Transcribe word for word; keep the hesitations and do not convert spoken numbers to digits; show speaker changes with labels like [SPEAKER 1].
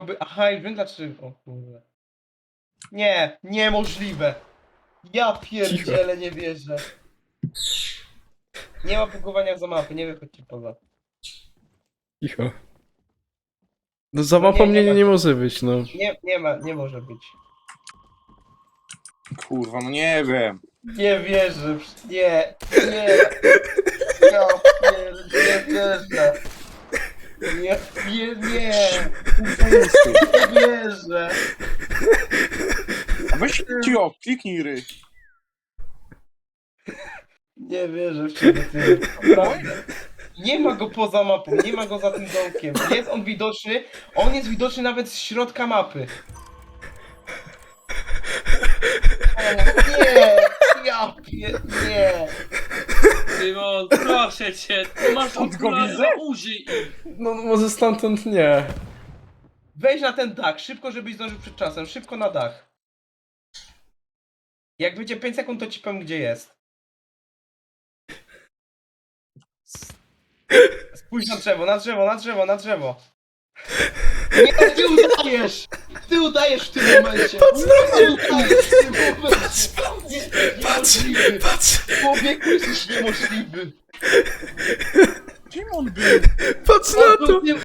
[SPEAKER 1] Aha, już wiem dlaczego. O kurde. Nie, niemożliwe. Ja pierdzielę, nie wierzę. Nie ma bugowania za mapy, nie wychodźcie poza.
[SPEAKER 2] Cicho. No za
[SPEAKER 1] No nie,
[SPEAKER 2] mapą
[SPEAKER 1] nie
[SPEAKER 2] mnie nie,
[SPEAKER 1] ma.
[SPEAKER 2] nie może być, no.
[SPEAKER 1] Nie, nie ma, nie może być.
[SPEAKER 3] Kurwa, no nie wiem.
[SPEAKER 1] Nie wierzę, nie, nie. Ja pier, nie wierzę. Nie, nie, nie. Nie wierzę.
[SPEAKER 3] A weź ci o, kliknij ry.
[SPEAKER 1] Nie wierzę w ciebie, ty. Naprawdę. Nie ma go poza mapą, nie ma go za tym domkiem. Jest on widoczny, on jest widoczny nawet z środka mapy. O, nie, ja pier, nie.
[SPEAKER 4] Szymon, proszę cię, ty masz
[SPEAKER 3] Stąd go
[SPEAKER 4] okulary,
[SPEAKER 3] widzę?
[SPEAKER 4] no użyj ich.
[SPEAKER 2] No może stamtąd nie.
[SPEAKER 1] Wejdź na ten dach, szybko, żebyś zdążył przed czasem, szybko na dach. Jak będzie pięć sekund, to ci powiem, gdzie jest. Spójrz na drzewo, na drzewo, na drzewo, na drzewo. Nie, ty udajesz! Ty udajesz w tym momencie!
[SPEAKER 2] Patrz na
[SPEAKER 1] Ty
[SPEAKER 2] mnie!
[SPEAKER 1] udajesz w tym momencie! Nie,
[SPEAKER 2] Patrz,
[SPEAKER 1] niemożliwy!
[SPEAKER 2] patrz,
[SPEAKER 1] Człowieku, jesteś niemożliwy!
[SPEAKER 3] Gdzie on był?
[SPEAKER 2] patrz
[SPEAKER 1] On
[SPEAKER 2] na
[SPEAKER 1] był
[SPEAKER 2] to!
[SPEAKER 1] w tym